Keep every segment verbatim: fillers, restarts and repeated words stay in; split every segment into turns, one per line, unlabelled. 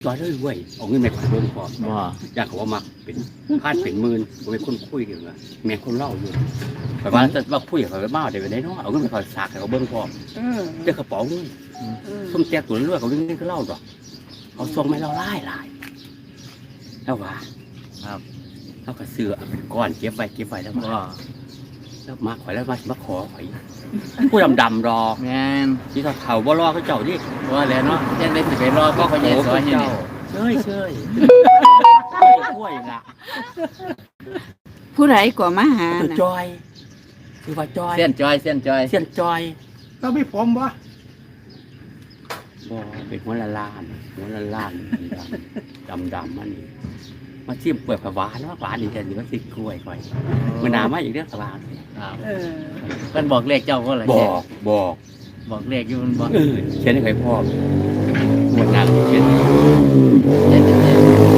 ร้อยเลยเว้ยเอาเงินแม่ขวัญเบิ่งพร้อม
บ่
อยากเขาว่ามักเป็นพาดเป็นหมื่นบ่เป็นคนคุยกันว่าแม่คนเล่าอยู่แต่ว่าจะว่าคุยกับเขามาเดี๋ยวได้เนาะเอาเงินไปขอสากให้เขาเบิ่งพร้อม
เออ
เจ้ากระเป๋าเงิน
เออ
ส้มแจกตัวเรื่อยเขาเงินก็เล่าดอกเขาส่งให้เราหลายหลายแล้วว่า
ครับ
เขาก็ซื้อเอาเป็นก้อนเก็บไว้เก็บไว้แล้ว
บ่
ว่าแล้วมาข่อยแล้วมาสิมาขอข่อยผู้ดำๆรอ
แม่น
ที่เขาเขาบ่รอเขาเจ้าดิ
ว่าแล้วเนาะยังได้สิไปรอพ่อเขาใหญ่ซอยให้นี่
เชยเชยช่วยละ
ผู้ใดก็มาหา
ตัว
น่ะ
จอยคือว่าจอย
เส้นจอยเส้นจอย
เสียนจอย
เราไม่ผมวะ
บ่เป็นหัวละล้านหัวละล้านดำดำๆมันนี่มาชิมเปลือกผักหวานว่าหวานดีแต่นี่มันสิกล้วยก่อยมันหนามาอีกเรื่องผักหวาน
ครับ
เออ
เพิ่นบอกเลขเจ้าบ่ล่ะ
บ
เจ๊
อกบอก
บอกเลขอยู่มันบ่
เออเขียนให้ใครพ่อหมดงานเขียน
เจ๊เจ๊เจ๊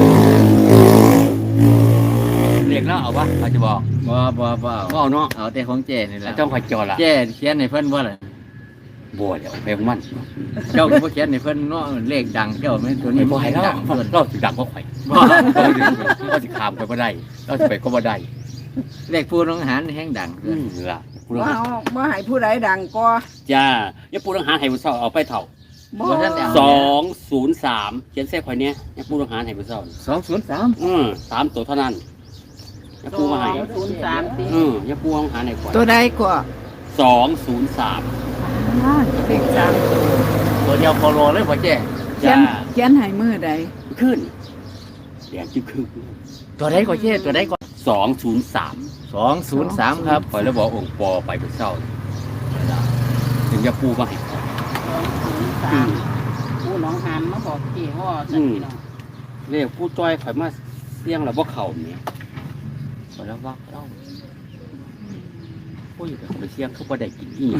เรียกแล้วเอาวะเขาจะบอก
บ่บ่บ่เอา
ก็เอาเนาะ
เอาแต่ของเจ๊นี่แหละ
ต้องคอยจอละ
เจ๊เขียนให้เพิ่นบ่ล่ะ
บ่เดี๋ยวเพลงมัน
เจ้าก็บ่เขียนให้เพิ่นเนาะเลขดังเจ้าแม่นตัวนี้
ไม่บ่ให้
เล
เรา
ขดังเพิ่น
เราสิดังก็ข่อย
บ่
เราสิขามไปบ่ได้เราสิไปก็บ่ได้
เลขผู้น้องหารแห่งดัง
อืมล่ะผู้
บ่
ต้องหา
เอาบ่ให้ผู้ใดดังก็
จ้าอย่าผู้ต้องหาให้ผู้เฒ่าเอาไปเฒ่า
บ่
สองศูนย์สามเขียนเส้นข่อยเนี้ยอย่าผู้ต้องหาให้ผู้เฒ่า
สองศูนย์สาม
อืมสามตัวเท่านั้นอย่าผู้มาให้
ศูนย์สามติ
อืมอย่าผู้ต้องหาให้ข่อย
ตัวใดก็
สองศูนย์สาม
เลขสามตัว
ตัวเดียวโคโลเลยพ่อเจ๊
เขีย
จ้าน
เขียนให้มือใด
ขึ้นแดงจึ๊กคือ
ตัวใดก็เจ๊ตัวใดก็
สองศูนย์สาม
สองศูนย์สามครับ
ข่อยแล้วบอกองค์ปอไปผู้เฒ่าถึงอย่าผู้มาให้ข่อย
สามผู้น้องหานมาบอกกี่ห่อสักทีเนาะ
เรียกผู้จ้อยข่อยมาเสี่ยงแล้วบ่เข้านี่ข่อยแล้วว่าเล่าโอ้ยแต่ไปเสี่ยงเขาบ่ได้กินอี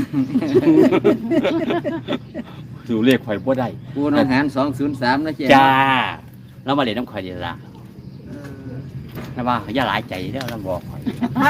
ดูเลขข่อยบ่ได้
ผู้น้องหารสองศูนย์สามนะเจ๊
จ้าแล้วมาเล่นน้ำข่อยเดียวละนะว่าอย่าหลายใจเด้อเราบอกข่อย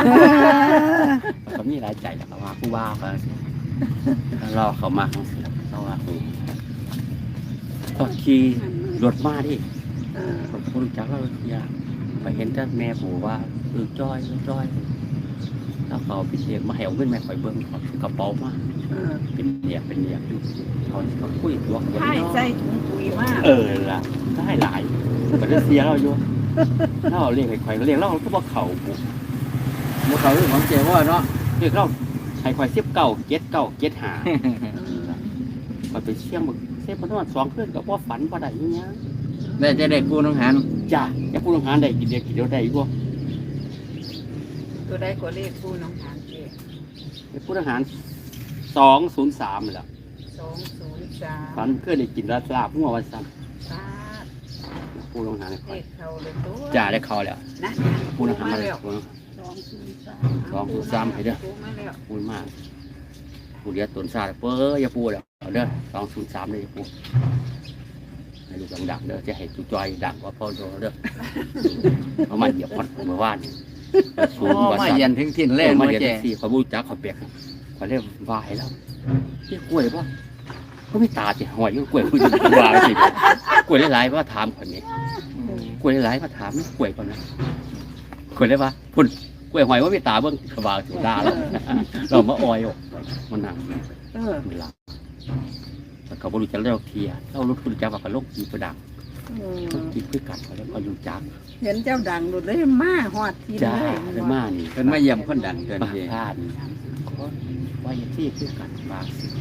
เขามีหลายใจแล้วเขาว่าผู้ว่าเขารอเขามาเขาเสียเขาว่าคือต้องขี่รถมาดิผมรู้จักแล้วอยากไปเห็นแต่แม่ปู่ว่าเออจ้อยเออจ้อยแล้วเขาไปเสียมาให้เอาเงินแม่ข่อยเบิ้งเขาถือกระเป๋ามา
เออ
เป็นเหนียบเป็นเหนียบอยู่เขาเขาคุยตัวกัน
ให้ใส่ถุงปุ๋ยมา
เออล่ะได้หลายก็จะเสียเราอยู่ถ้าเราเรียกไอ้ข่อยเรียกเราก็บอกเขาบุ
บ่เขาเรื่องของเจ๊ว่าเนาะ
เรียกเราไอ้ข่อยเสียบเก่าเก็ดเก่าเก็ดหาข่อยไปเชี่ยงมึงเสียบมันนอนสองเพื่อนก็บ่ฝันบ่ได้อยังเงี้ย
ได้จะได้ผู้น้องหาร
จ้าแค่ผู้ต้องหาได้กินเดียวกินเดียวได้อีกบ่
ตัวใดก็เลขผู้น้องหานเจ้
ไอ้ผู้ต้องหาสองศูนย์สามแหละ
สองศูนย์สาม
ฝันเพื่อนได้กินลาบลาบหัววันซ้
สาด
ำผู้ต้องหาใน
เล
ข่อย
ขเขาเลยตัว
จ้าได้เขาแล้ว
นะ
ผู้ต้องหามา
แล้
แล้ว ว
สองศูนย์สาม
สองศูนย์สามให้เด้อ
ปูมาแล้ว
พูดมากพูดเดียวตนซาเป้ออย่าพูดแล้วเอาเด้อสองศูนย์สามเลยอย่าพูดให้ลูกดังๆเด้อจะให้จุจอยดังกว่าพ่อโดเด้อเอามาเหยียบพัดเมื่อวานนี่ศู
โอ้
นย์ว่า
มา
สั่น
เย็นถึงถิ่น
เล่
เล่น
มา
มา
เรียน
เจ๊
สี่เขาบูจักเขาเปียกเขาเรียกวายแล้วที่กล้วยป่ะเขาไม่ตาสิหอยก็กล้วยพูดวายสิกล้วยหลายๆว่าถามคนนี้กล้วยหลายๆว่าถามกล้วยก่อนนะกล้วยได้ปะพุ่นกล้วยหอยว่าไม่ตาเบิ้งกระบาสุดาแล้วเรามาออยออกมันหนัง
เออ
เวลาแต่เขาบริจาคเลือกเทียเรารู้คุณจ้าว่าเขาลงกีประดัง
เออ
กีเพื่อกัดเขาแล้วเขาอยู่จ้า
เห็นเจ้าดังหลุดเลยมาหอดที
จ้า
เลย
ได้มากนี่
เป็นมาเยี่ยมคนดังเกิน
บา
เจ๊
พลาดว่าอย่างที่เพื่อกัดบางสิ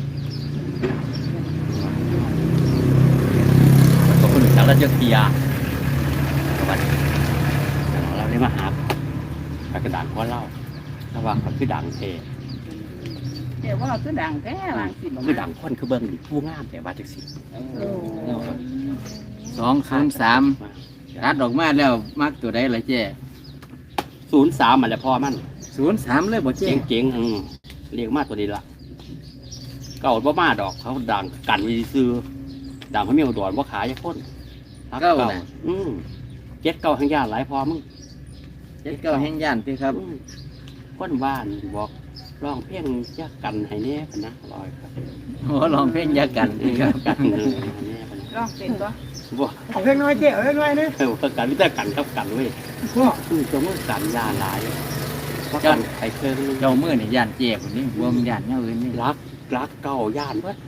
เขาบริจาคเลือกเทียวันเราได้มาหาไปกระดานข้อเล่าถ้าว่าเขาคือดังเท
เดี๋ยวว่าคือดังแท้หลังสิบ
คือดังคนคือเบิ้งผู้งามแต่ว่าจักสิ
โอ้
สองศูนย์สามรัดออกมาแล้วมักตัวใดล่ะเจ๊
ศูนย์สามมันแหละพ่อมัน
ศูนย์สามเลยบ่เจ๊
เจ๋งๆอืมเรียกมาตัวนี้ละเก่าบ่มาดอกเขาดังกันวิซื้อดังเขามีอุดรว่าขายยาพ่น
เก้าน่ะ
อืมเจ็ดเก้าทั้งญาติหลายพอมึง
เจ็ดเก้าแห่งย่านติครับ
อืมคนบ้านบอกร้องเพลงจะกันให้แน่พะนะลอยครับ
โอ้ลองเพลงยากันติครับ
กันเออให้แน่พะนะ
ร้องเป็นก็
บ่
เอาเล็กน้อยเจ๊เอาเล็กน้อยนะ
เออประกันวิธีกันครับกันเว้ย
พ่อ
คือจะมือกันยาหลายเพราะกันไข่เครื่อง
เจ้ามือนี่ย่านเจ็บนี่บ่มันย่านแนวอื่นนี่
รักรักเก่าย่านเพิ่น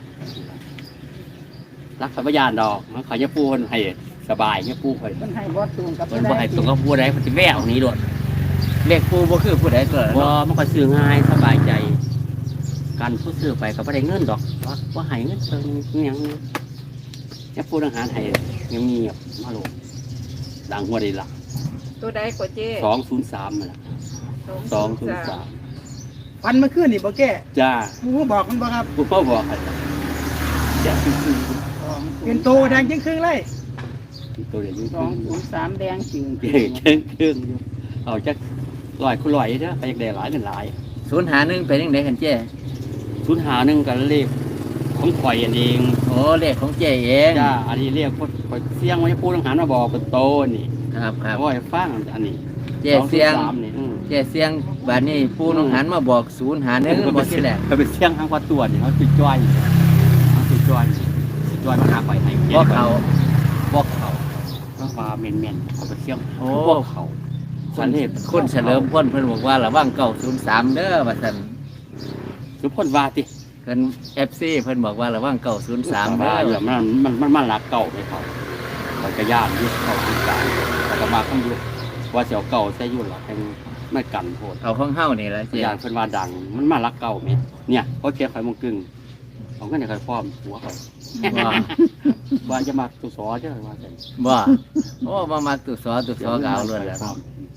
รักสัมปยานดอกมันเขาจะปูคนให้สบายเนี่ยปูคน
มันให้บ่ตูนกับ
มันบ่ให้ตรงกับผู้ใดมันสิแววหนี้โดด
เลขปูบ่คือผู้ใดก็
บ่มันก็ซื้อง่ายสบายใจกันผู้ซื้อไปก็บ่ได้เงินดอกว่าบ่ให้เงินเพิ่นอิหยังเนี่ยปูทหารให้เงียบๆมาโลดดังหัวได้ล่ะ
ตัวใดกว่าเจ๊
สองศูนย์สามนั่นล่ะสองศูนย์สาม
ฟันมาขึ้นนี่บ่แก่
จ้า
หมูบอกมันบ่ครับ
ผู้พ่อบอกให้จ้าคือ
เป็นโตแดงจริงครึ่งเลย
ตัวเดียวอยู่
สองศูนย์สามแดงจริง
เก่งเก่งเก่งอยู่เอาจักลอยคุณลอยเด้อไปอยากได้หลายเงินหลาย
ศูนย์หาหนึ่งเป็นจังไดกันเจ้
ศูนย์หาหนึ่งกันเลขของข่อยอันเอง
โอ้เลขของเจ้เอง
จ้าอันนี้เรียกว่าข่อยเสียงไว้พูดทหารมาบอกเป็นโตนี่
ครับครับ
โอ้ยฟังอันนี้
เจ้เสียง
สามนี่อืม
เจ้เสียงบัดนี้ปูน้องหันมาบอกศูนย์หาหนึ่งบ่สิแหละ
เขาเป็นเสียงทางวัดตัวนี่เขาติดจ้อยเขาติดจ้อยติดจ้อยมาหาข่อยให้
บ่เขา
บอกเขาก็ว่าเมนเมนเขาเป็นเสียง
โอ้
บอกเขาสันเลข
คนเฉลิมพลเพิ่นบอกว่าระวังเก้าศูนย์สามเด้อว่าซั่น
สุพลวาติ
เพิ่น เอฟ ซี เพิ่นบอกว่าระวังเก้าศูนย์สาม
เด้
เด้
อ
อ
อย่ามันมันมันมันรักเก่าไปเขาเขาจะย่านยุคเก่าที่กลางเขาก็มาข้างยุคว่าเสียวเก่าใช้ยุ่นหรอกแห่งไม่กันโพด
เอาของเฮานี่ล่ะเจ้
ย่านเพิ่นว่าดัง มันมารักเก่าไหมเนี่ยเขาเชียร์ข่อยมงกึ่งเขาก็เนี่ยข่อยพร้อมหัวข่อย
บ่
ว่าจะมาตุสอเจ้าว่าจัง
บ่โอ้บ่มักตุสอตุสอก็เอาเลยแหล้ว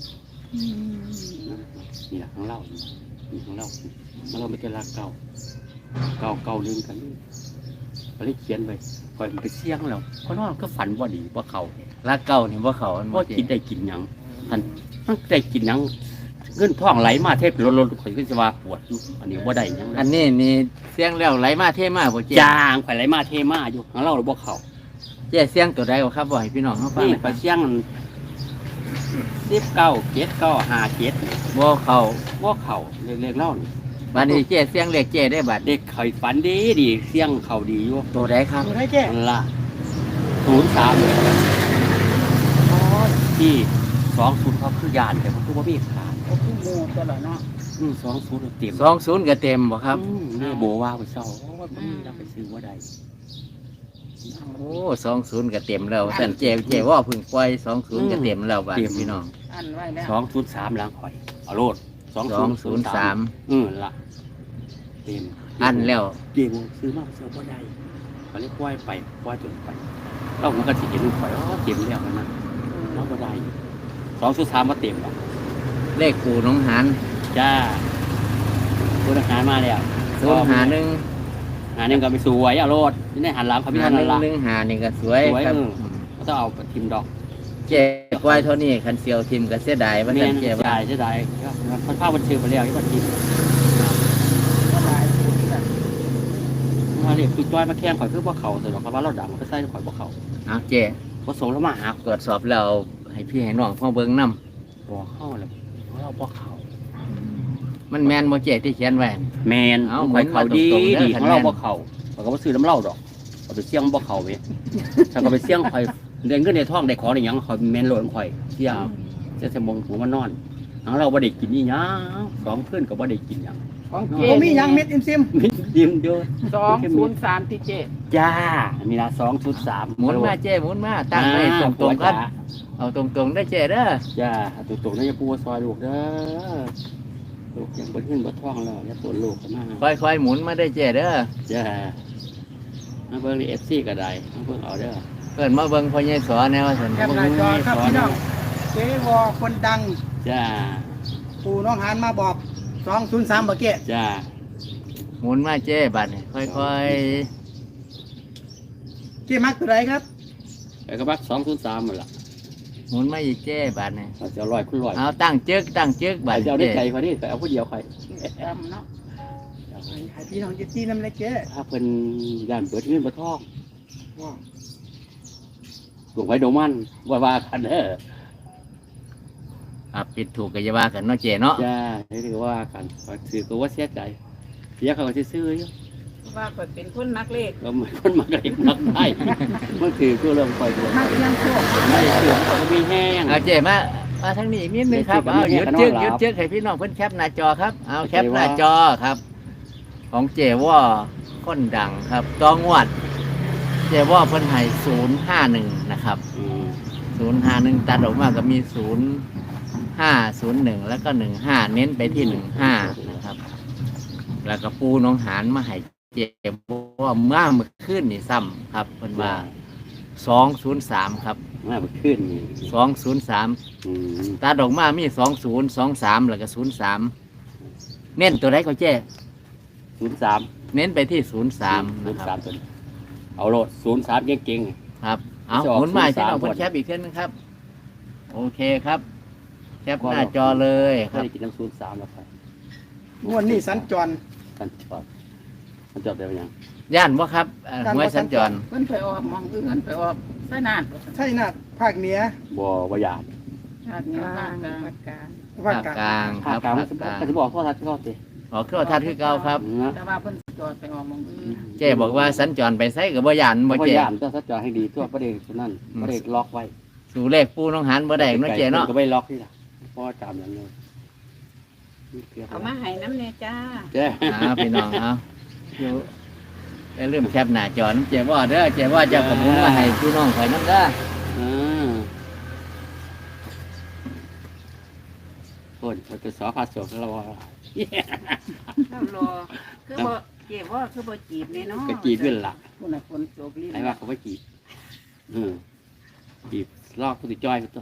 นี่แหละของเรานี่ของเรามันเราไม่ได้รักเก่าเก่าเก่าลืมกันเขาเลยเขียนไว้ข่อยมันไปเสี่ยงแล้วเพราะว่าก็ฝันว่าดีว่าเขา
รักเก่านี่บ่เข้ามันบ่
ว่า
เจ้
กินได้กินหยังท่านมันได้กินหยังเงินท่องไหลมาเทพล้นๆข่อยก็จะว่าปวดอยู่อันนี้ว่าได้หยัง
อันนี้นี่เสียงแล้วไหลมาเทมาบ่เจ้
จางข่อยไหลมาเทมาอยู่ของเราหรือบ่เขา
เจ้เสียงตัวใดบ่ครับบ่ให้พี่น้องเฮาฟัง
นี่
หน่อย
ข่อยเสี่ยงสิบเก้าเจ็ดเก้าห้าเจ็ด
บ่เข้า
บ่เขาเรียกเล่านี่
บัดนี้เจ้เสียงเลขเจ้ได้บัด
เด็กข่อยฝันดีดีเสี่ยงเขาดีอยู่
ตัวใดครับ
ดูให้แก่
นั่นล่ะศูนย์สามที่สองศูนย์เขาคือยานแต่ผมคือว่ามีขาด
เอาผู้หมู่ตัวละเนาะ
อืมสองศูนย์เต็ม
สองศูนย์ก็เต็มบ่ครับ
อืมนี่โบว่าไปเศร้าเพราะว่าผมจะไปซื้อว่าใด
โอ้สองศูนย์ก็เต็มแล้วแต่เจ้เจ้ว่าเพึ่งปล่อยสองศูนย์ก็เต็มแล้วบัดพี่น้อง
อันไว้แล้ว
สองศูนย์สามล้างข่อยเอาโลดสอง
สองศูนย์สาม
อืมละเต็ม
อันแล้ว
เต็มซื้อมาซื้อว่าใดเขาเรียกว่าไปว่าจนไปเรามันก็สิเห็นข่อยอ๋อเต็มแล้วนะเราว่าใดสองศูนย์สามมาเต็มแล้ว
เลขปู่น้องหาน
จ้าคุณอาหารมาแล้ว
ศูนย์หาหนึ่ง
หาหนึ่งก็ไปสวยเอาโลดนี่ได้หันหลังเขาพี่
หา
ท่าน
ห
นั่
นึ่ง
นละ
หนึ่งหานี่ก็สวย
สวย
ครับ
เออ เขาต้องเอาไปทิมดอก
เจ้กล้วยเท่านี้คันเสียวทิมก็เสียดายว่า
เมี
ท่าย น
น
เจ้ว่า
จ่ายใช่ได้คนภาพมันชื่อไปแล้วที่มันทิม
ก็หลายผู้ที่แบบ
มาเรียกคือจ้อยมาแข่งข่อยคือพวกเขาแต่เพราะว่าเราดังก็ใส่ข่อยพวกเขา
เอาเจ้
พอส่งแล้วมาหา
ตรวจสอบแล้วให้พี่ให้น้องพ่อเบิ่งนํ
บอกเข้าเลยเราพวกเขา
มันแม่นบ่เจ้ที่เขียนไว้
แมน
เอา
ข่อยเขาดี
เหมือนมาตรงๆเด้อ
ดี
คั
ข
น
อง
แม่น
เราพวกเขาเราก็มาซื้อน้ำเหล้าดอกเอาไปเสี่ยงพวกเขาเว้ยถ้าก็ไปเสี่ยงข่อยเรียนขึ้นในท้องได้ของได้หยังข่อยแมนโหลนข่อยเสี่ยงจะสมองหัวมันนอนของเราบ่ได้กินนี่ยังสองเพื่อนก็บ่ได้กินหยัง
ของ
โอ้
เจ๊
มีหยังเม็ดอิมซิม
ยิ้มเยอะ
สองศูนย์สามที่เจ๊
จ้ามีละสองชุดสาม
หมุนมาเจ้หมุนมาตั้งไว้ตรงๆกันเอาตรงๆได้เจ้เด้อ
จ้าตุกตุกนี่จะปูซอยลูกเด้อลูกยังบนขึ้นบนท้องแล้วอย่าปวดลูกกันมา
ค่อยๆหมุนมาได้เจ้เด้อ
จ้ามาเบิ่งเอฟซีก็ได้มาเบิ่งเอาเด้อ
เพิ่นมาเบิ่งพ่อใหญ่สอนแนวว่าซั่น
แคปหน้าจอครับพี่น้องเจ๊วอคนดัง
จ้า
ปู่น้องหานมาบอกสองศูนย์สามบ่แก่
จ้า
หมุนมาเจ้บัดนี่ค่อย
เจ๊มักตัวไหนครับ
ไอ้กระบักสองชุดสามหมดละ
ๆหมุนมาอีกเจ้บัดนี่
เราจะลอยคุณลอย
เอาตั้งจึกตั้งจึกบั
อา
ด
จจะเอาได้
เจ้
ใจเขาดิแต่เอาผู้เดียวใคร
จำเนาะ
ให้พี่น้องเจะตีน้ำเล็กเจ๊
ถ้าเพิ่นย่านเปิดขึ้นบนท้อง
ว้าว
หลวงไว้โดมันว่าว่ากันเด้อ
อ่ะปิดถูกก็อย่าว่ากันเนาะเจ้เนาะ
จ้านี่ถือว่ากันถือก็ว่าเสียใจเสียเขาก็ซื้อๆอยู่
ว่าก็เป็นคนนักเลข
แล้วมันคนมาไกลมักได้มันคือตัวเรื่องคอยตัว
มักยังโชค
ไม่เสื่อมก็มีแห้ง
เอาเจมามาทางนี้อีกนิดนึงครับ
เดี๋ยว
เอาห
เจ
ยุด
กับ
จึก
น้อง
หยุด
หลับ
จึกให้พี่น้องเพิ่นแคปหน้าจอครับเอาแคป
เจ
ห
ว่า
น้าจอครับ ของเจว่าคนดังครับตองวด เจว่าเพิ่นให้ศูนย์ห้าหนึ่งนะครับ
อืม
ศูนย์ห้าหนึ่งตัดออกมาก็มีศูนย์ห้าศูนย์หนึ่งแล้วก็หนึ่งห้าเน้นไปที่หนึ่งห้านะครับ แล้วก็ปูน้องหานมาให้เจว่าเมื่อเมื่อคืนนี่ซ้ำครับเพิ่นว่าสองศูนย์สามครับ
มาเมื่อขึ้นนี่
สองศูนย์สาม
อืม
ตาดอกมามีสองศูนย์สองสามแล้วก็ศูนย์สามเน้นตัวไหนก็เจ๊
ศูนย์สาม
เน้นไปที่ศูนย์สาม
ศู
นะ
นย์
ค
สา
รั
ม
บ
ตัวนี้เอาโลดศูนย์สามเก่ง
ครับ เอา
จะออก
หมุนมา
ศูนย์
ที่
สาม
เราคน
ก่อน
แคปอีกเส้นนึงครับ โอเคครับ แคป
ก่อน
หน้าจอเลย
ๆ
ค
ก็
รับ
ได้กินน้ำศูนย์สามแล้วไป
งวดนี้สัญจร
กันจอดมันจอดได้ไหมยัง
ย่านว่าครับเอ่อ
ด้าน
หวย
บ่
สัญจร
เพิ่นไปออกหมองอื่นไปออกไสนาน
ใช่นะภาคเหนือ
บ่บ่อยาก
ชาตินี้
กลา
ภาง คกลาง
ภาคกลาง
ภาคกลาง
ภาคกลางค
ภา
รั
ค
บ
กลาง
ภาคกลาง
ก็จะบอกโทษทัศน์ก็สิ
ออกเครื่องทัดคือเก่าครับ
นะ
แต่ว่าเพิ่นจอดไปออกหมองอื่น
เจ๊บอกว่าสัญจรไปไสกับบ่ย่านบ่
บ่
เจ๊
ยามต้องสัจจอให้ดีตัวประเด็นตัวนั้นประเด็นล็อกไว้
สู่เลขปูน้องหานบ่ได้เนาะเจ๊เนาะ
ก็ไม่ล็อกนี่ล่ะเพราะว่าจำอย่างนี้
เอามาให้น้ำเนี่ยจ้า
เจ้
อ่าพี่น้องเอาอยู่อย่าลืมแคปหน้าจอน้ำเจ๊ว่าเด้อเจ๊ว่าจะกระมุนมาให้พี่น้องข่อยน้ำเด้อ
อ่าคนมันจะสอพาสกเราว่า
เรารอคือบ่เจ็บว่าคือบ่จีบเลยเนาะ
ก็จีบเป็นหลัก
คนน่ะคนโจกลิ้น
ไอ้ว่าเขาไม่จีบเออจีบลอกผู้ติดจ้อยไปตัว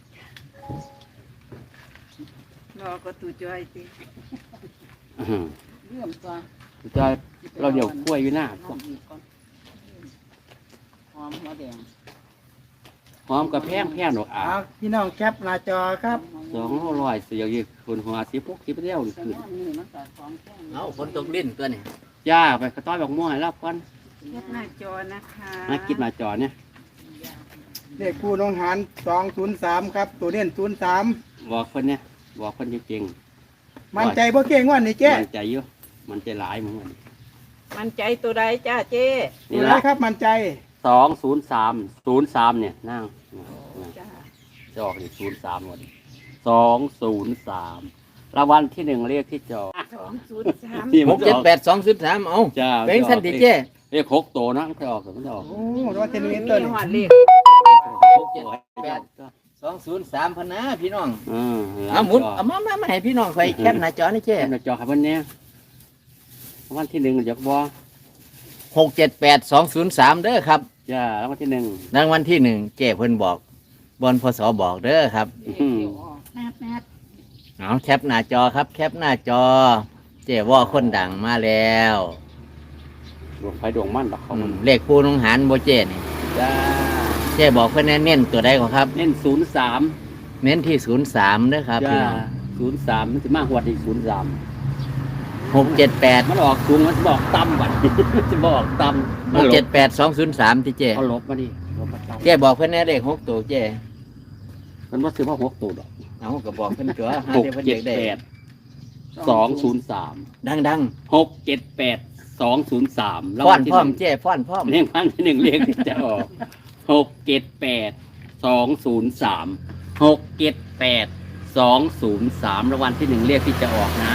รอก็ตูจอยสิ
อืม
เรื่องตัว
ติดจ้อยเราเดี๋ยวคุ้ยอยู่หน้า
หอมอีกก่อนหอมหัวแดง
หอมกับแพงแพงดอกอ่า
เอาพี่น้องแคปหน้าจอครับ
สองร้อยเสียยี่คนหัวสิบพวกสิบเดียวนี่
แต่
คือ
ว่านี่มันก็ของแข็ง
เอาฝนตกลิ้นตัวนี้
ย่าไปกระต้อยบอกม่วงให้รับก่อน
แคปหน้าจอนะคะ
มากินมาจอเนี่ย
เลขผู้น้องหารสองศูนย์สามครับ ตัวเน้นศูนย์สาม
บอกคนเนี่ยบอกคนจริง
มั่นใจบ่เก่งว่านี่
ๆ
เจ๊
มันใจเยอะมันใจหลายเหมือนกัน
มันใจตัวใดจ้าเจ้
นี่
ตัวไหน
ละ
ครับมั่นใจ
สองศูนย์สามศูนย์สามเนี่ยนั่ง
จ้า
จะออกนี่ศูนย์สามหมดสองศูนย์สามรางวัลที่หนึ่งเรียกที่จอ
สองศูนย์สาม
นี่
ห
มัน
ก
จะ
เจ็ด
ออก
แปดสองสิบสามเอา
จ้า
เป็นสันติเจ้
เรียกหกตัวนะมันจะออกมันจะออก
โอ้รางวัลที่หนึ่ง
มี
ต้น
หอดเลข
หกเจ็ดแปดสองศูนย์สามพนนะพี่น้อง
อืม
เอาหมุนเอามามามาให้พี่น้องคอยแคปหน้าจอนี่เจ้
แค่หน้าจอครับวันนี้รางวัลที่หนึ่งเดี๋ยวบอ
หกเจ็ดแปดสองศูนย์สามเด้อครับ
จ้ารางวัลที่หนึ่ง
รางวัลที่หนึ่งเจ้เพิ่นบอกบนพศบอกเด้อครับ
เดี๋ยวออก
แมบแมบ
เอาแคปหน้าจอครับ แคปหน้าจอ เจ้ว่าคนดังมาแล้ว
ดวงไฟดวงมั่นดอกเขา
อื
มัน
มเลขปูนองหารโบเจ้นี่
จ้า
เจ้บอกเพิ่นเน้นๆตัวใดก็ครับ
เน้นศูนย์สาม
เน้นที่ศูนย์สามเด้อครับพี่
จ้า
น้อง
ศูนย์สามมันจะมากกว่าที่ศูนย์สาม
หกเจ็ดแปด
มันออกสูงมันจะบอกต่ำกว่า จะบอกต่ำ
หกเจ็ดแปดสองศูนย์สามที่เจ้
เอาลบมาดิลบมาต่ำ
เจ้บอกเพิ่นแน่เลขหกตัวเจ้
มันว่าซื้อมาหกตัวดอก
เอาก็บอกเพิ่นตัวหา
หก
เดี๋ยวเพิ่น
เจ็ด
เด็กได้
แปดสองศูนย์สาม
ดัง
หกเจ็ดแปดสองศูนย์สาม
ๆฟ้อนพร้อมเจ้ฟ้อนพร้อม
เรียงพันที่หนึ่งเรียงที่จะออกหกเจ็ดแปดสองศูนย์สามหกเจ็ดแปดสองศูนย์สามรางวัลที่หนึ่งเรียกที่จะออกนะ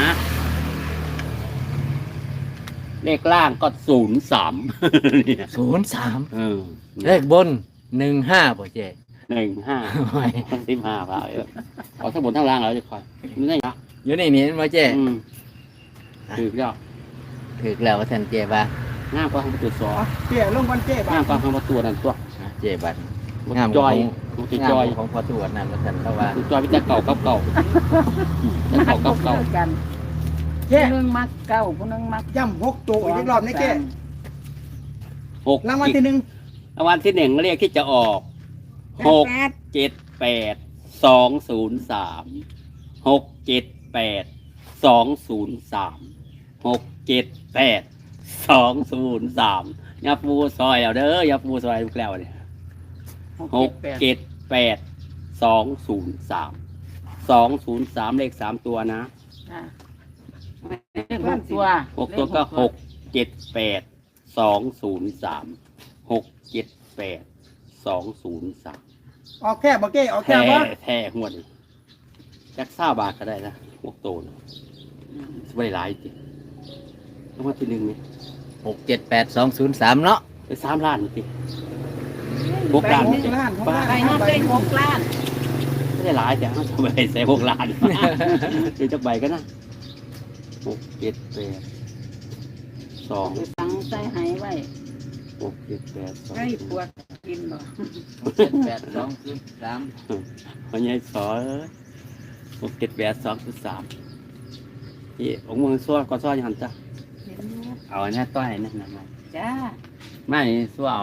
เลขล่างก็ศูนย์สาม
ศูนย์สาม
เออ
เลขบนหนึ่งห้าป่ะเจ้
หนึ่งห้า
โอ้ย
สิบห้าเปล่าเอาทั้งบนทั้งล่างแล้วจะคอยไม่ได้นะ
อยู่ในนี้มาเจ้
อืมถือแล้ว
ถึกแล้วว่าท่านเจ้บ้า
ง่ามกว่าของประตูสอ
อ๋อเจ๊ลงวันเจ๊บ้า
ง่ามกว่าของประตูนั่นตัว
เจ้บัด
มัน
งาม
จอย
ของ
มัน
งาม
จอย
ของพ่อตรวจนั่นว่าท่านเพราะว่า
มันจอยพิจารเก่ากับเก่าจะเก่ากับเก่า
กัน
เจ๊
ผู้หนึงมักเก้าผู้หนึงมัก
ย่ำหกตัวอีกรอบนี่เจ๊
หก
รางวัลที่หนึ่ง
รางวัลที่หนึ่งเรียกที่จะออกหก
แปด
เจ็ดแปดสองศูนย์สามหกเจ็ดแปดสองศูนย์สามหกเจ็ดแปดสองศูนย์สามยาปูซอยเอาเด้อยาปูซอยลูกแล้วเนี่ยหกเจ็ดแปดสองศูนย์สามสองศูนย์สามเลขสามตัวนะ
อ่าเลขหกตัว
หกตัวก็หกเจ็ดแปดสองศูนย์สามหกเจ็ดแปดสองศูนย์สาม
ออกแค่บ่เก้ออกแค่
แท้
บ่
แท้หัวดนี่จักซ่าบาทก็ได้นะพวกโตนะสบายหลายจริงรางวัลที่หนึ่งนี่
หกเจ็ดแปดสองศูนย์สามเนาะ
ไปสามล้านจริงหกล้าน
ห
จริ
ก
ง
ล้านหกล้าน
ไปนั่นได้หกล้าน
ไม่ได้หลายแต่เขาทำไปใส่หกล้านเดี๋ยวจะใบกันนะหกเจ็ดแปดสอง
ไปฟังใส่หายไว้
หกเจ็ดแปดสอง
ให้ปวดกินบ่
เจ็ดแปดสองศูนย์สาม
มันยัยสอหกเจ็ดแปดสองจุดสามนี่องค์มือซ้อก็ซ้อยังหันจ้ะ
เห็นอยู่
เอาอันนี้ต้อยนั่นนะ
จ้า
ไม่ซ้อเอา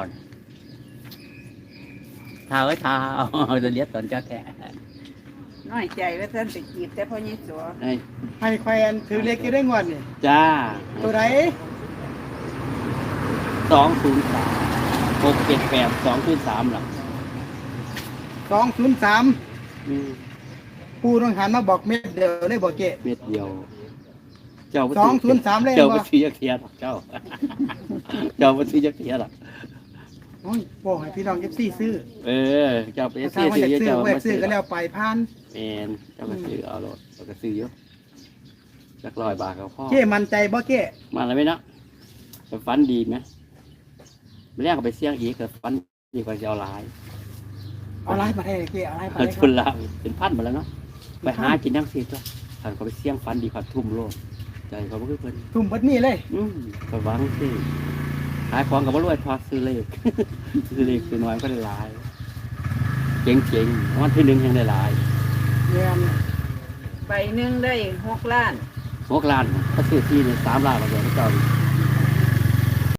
ท้าไว้ท้าเอาจะเลียดตอนเจ้าแท้
น้อยใจว่าท่านไปจีบแต่พ่อยิ่งสัว
ไอ้
ให้แควนถือเลขกี่ได้งวดนี่
จ้า
ตัวไหน
สองศูนย์สามหกเจ็ดแปดสองศูนย์สามหรอ
สองศูนย์สาม
อืม
ปูน้องหันมาบอกเม็ดเดียวเลยบ่เก้
เม็ดเดียว เจ้าบ่
สองศูนย์สามเลย
เจ้า
บ่
ไม่ซื้อยักเทียหรอกเจ้า เจ้าไม่ซื้อยักเทียหรอก
โอ้ยบอกให้พี่น้องเอฟซีซื้อ
เออ เจ้าไป
ถ้า
ซื้อ
ว่าอยาก
ซื้อ
ซื้อ
เจ้า
ว่าอยา
ไม่
กซื้
ซื้
อ
อ
ก็แล้วไปพัน
แมนเจ้าก็ซื้อเอารถเจ้าก็ซื้อเยอะจักร้อยบาทเขาพ่อ
เก้มั่นใจบ่เก้
มาแล้วไหมเนาะไปฟันดีไหมไม่แรกก็ไปเสี่ยงอีกก็ฟันดีกว่าจะเอาหลาย
เอาไลฟ์มาให้เก้เอาไลฟ์มา
เอา
ให้ค
ทุ
รับ
นละเป็นพันหมดแล้วเนาะไปหากินนั่งซีตัวท่านเขาไปเสี่ยงฟันดีกว่าทุ่มโลดใจเขาไม่คือเพิ่น
ทุ่มเบัดนี้เลย
อืมก็หวังสิขายของกับว่ารวยทอดซื้อเลข ซื้อเลขซื้อน้อยก็ได้หลายเจ๋งเจ๋งๆวันที่หนึ่งยังได้หลาย
เงิน
ใบหนึ่งได้หกล้าน
หกล้านถ้าซื้อที่เนี่ยสามล้านมาเดี๋ยวเจ้า